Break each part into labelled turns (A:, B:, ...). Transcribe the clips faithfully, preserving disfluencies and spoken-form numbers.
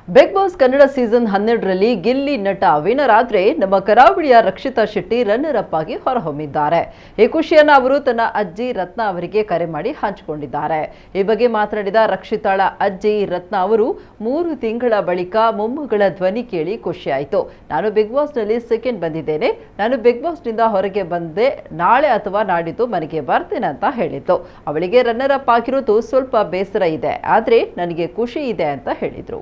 A: Big boss Kannada season ಹನ್ನೆರಡರಲ್ಲಿ ಗಿಲ್ಲಿ ನಟ winner ಆದ್ರೆ ನಮ್ಮ ಕರಾವಳಿಯ ರಕ್ಷಿತಾ ಶೆಟ್ಟಿ ರನ್ನರ್ ಅಪ್ ಆಗಿ ಹೊರಹೊಮ್ಮಿದ್ದಾರೆ. ಈ ಖುಷಿಯನ್ನು ಅವರು ತನ್ನ ಅಜ್ಜಿ ರತ್ನ ಅವರಿಗೆ ಕರೆ ಮಾಡಿ ಹಂಚಿಕೊಂಡಿದ್ದಾರೆ. ಈ ಬಗ್ಗೆ ಮಾತನಾಡಿದ ರಕ್ಷಿತಾಳ ಅಜ್ಜಿ ರತ್ನ ಅವರು, ಮೂರು ತಿಂಗಳ ಬಳಿಕ ಮೊಮ್ಮಗಳ ಧ್ವನಿ ಕೇಳಿ ಖುಷಿಯಾಯಿತು. ನಾನು ಬಿಗ್ ಬಾಸ್ನಲ್ಲಿ ಸೆಕೆಂಡ್ ಬಂದಿದ್ದೇನೆ. ನಾನು ಬಿಗ್ ಬಾಸ್ನಿಂದ ಹೊರಗೆ ಬಂದೆ. ನಾಳೆ ಅಥವಾ ನಾಡಿದ್ದು ಮನೆಗೆ ಬರ್ತೇನೆ ಅಂತ ಹೇಳಿತ್ತು. ಅವಳಿಗೆ ರನ್ನರ್ ಅಪ್ ಆಗಿರೋದು ಸ್ವಲ್ಪ ಬೇಸರ ಇದೆ, ಆದ್ರೆ ನನಗೆ ಖುಷಿ ಇದೆ ಅಂತ ಹೇಳಿದ್ರು.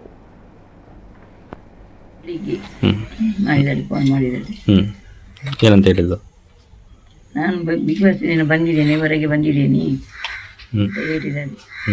B: ಫೋನ್ ಮಾಡಿದ್ದಾರೆ.
C: ಏನಂತ ಹೇಳಿದ್ದು?
B: ನಾನು ಬಿಗ್ ಬಾಸ್ ಬಂದಿದ್ದೇನೆ, ಹೊರಗೆ ಬಂದಿದ್ದೀನಿ ಅಂತ ಹೇಳಿದ್ದಾರೆ.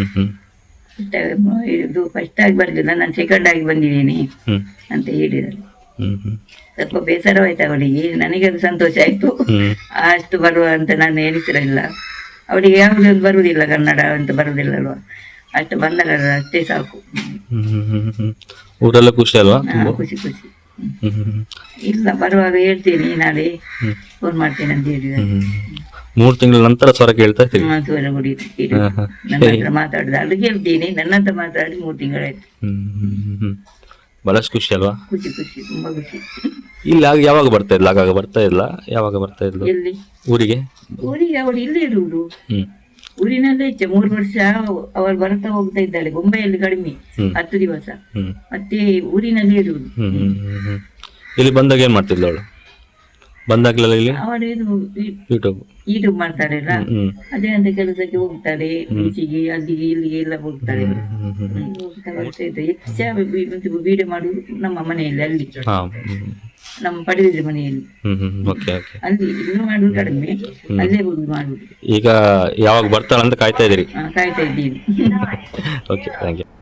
B: ಇದು ಫಸ್ಟ್ ಆಗಿ ಬರಲಿಲ್ಲ, ನಾನು ಸೆಕೆಂಡ್ ಆಗಿ ಬಂದಿದ್ದೀನಿ ಅಂತ ಹೇಳಿದ್ದಾರೆ. ಸ್ವಲ್ಪ ಬೇಸರವಾಯ್ತು ಅವಳಿಗೆ. ನನಗೆ ಅದು ಸಂತೋಷ ಆಯ್ತು. ಅಷ್ಟು ಬರುವ ಅಂತ ನಾನು ಎಣಿಸಿರಲಿಲ್ಲ. ಅವಳಿಗೆ ಯಾವುದೊಂದು ಬರುವುದಿಲ್ಲ, ಕನ್ನಡ ಅಂತ ಬರುವುದಿಲ್ಲ ಅಲ್ವಾ, ಅಷ್ಟು ಬಂದಲ್ಲ ಅಷ್ಟೇ ಸಾಕು.
C: ಊರೆಲ್ಲ ಖುಷಿ ಅಲ್ವಾ?
B: ಖುಷಿ ಖುಷಿ ಇಲ್ಲ, ಬರುವಾಗ ಹೇಳ್ತೀನಿ, ನಾಳೆ ಫೋನ್ ಮಾಡ್ತೇನೆ ಅಂತ ಹೇಳಿದ್ದಾರೆ.
C: ಮೂರು ತಿಂಗಳ ನಂತರ ಸ್ವರ ಕೇಳ್ತಾ ಇರ್ತೀವಿ.
B: ಸ್ವರ ಗುಡಿ ನನ್ನ ಹತ್ರ ಮಾತಾಡುದು ಅದು ಕೇಳ್ತೀನಿ. ನನ್ನ ಹತ್ರ ಮಾತಾಡಿ ಮೂರು ತಿಂಗಳಾಯ್ತು.
C: ಬಹಳಷ್ಟು ಖುಷಿ ಅಲ್ವಾ?
B: ಖುಷಿ ಖುಷಿ ತುಂಬಾ ಖುಷಿ.
C: ಇಲ್ಲಿ ಆಗ ಯಾವಾಗ ಬರ್ತಾ ಇಲ್ಲ? ಆಗಾಗ ಬರ್ತಾ ಇಲ್ಲ. ಯಾವಾಗ ಬರ್ತಾ ಇದ್ಲು
B: ಎಲ್ಲಿ?
C: ಊರಿಗೆ.
B: ಊರಿಗೆ ಅವಳು ಇಲ್ಲೇ ಇರುವುದು,
C: ಹ್ಮ್
B: ಊರಿನಲ್ಲೇ ಇಚ್ಛೆ. ಮೂರು ವರ್ಷ ಅವಳು ಬರ್ತಾ ಹೋಗ್ತಾ ಇದ್ದಾಳೆ. ಬೊಂಬೈಯಲ್ಲಿ ಕಡಿಮೆ, ಹತ್ತು ದಿವಸ, ಮತ್ತೆ ಊರಿನಲ್ಲಿ ಇರುವುದು.
C: ಇಲ್ಲಿ ಬಂದಾಗ ಏನ್ ಮಾಡ್ತಿದ್ಲು ಅವಳು? ಬಂದಾಗ್ಲೆಲ್ಲ ಇಲ್ಲಿ
B: ಅವಳು ಇದು
C: ಯೂಟ್ಯೂಬ್
B: ಯೂಟ್ಯೂಬ್ ಮಾಡ್ತಾರಲ್ಲ, ಅದೇ ಅಂತ ಕೆಲಸಕ್ಕೆ ಹೋಗ್ತಾಳೆ. ಬೀಚಿಗೆ ಅಲ್ಲಿಗೆ ಇಲ್ಲಿಗೆ ಎಲ್ಲ ಹೋಗ್ತಾಳೆ. ಹೋಗ್ತಾ ಬರ್ತಾ ಇದ್ದ ಹೆಚ್ಚು ವಿಡಿಯೋ ಮಾಡುದು ನಮ್ಮ ಮನೆಯಲ್ಲಿ, ಅಲ್ಲಿ ನಮ್ಮ ಪಡೆದಿದ್ದ ಮನೆಯಲ್ಲಿ. ಅಲ್ಲಿ ಇನ್ನು ಮಾಡುದು ಕಡಿಮೆ, ಅಲ್ಲೇ ಹೋಗಿ ಮಾಡುದು.
C: ಈಗ ಯಾವಾಗ ಬರ್ತಾಳಂತ ಕಾಯ್ತಾ ಇದ್ದೀರಿ?
B: ಕಾಯ್ತಾ ಇದ್ದೀನಿ.
C: Okay, thank you.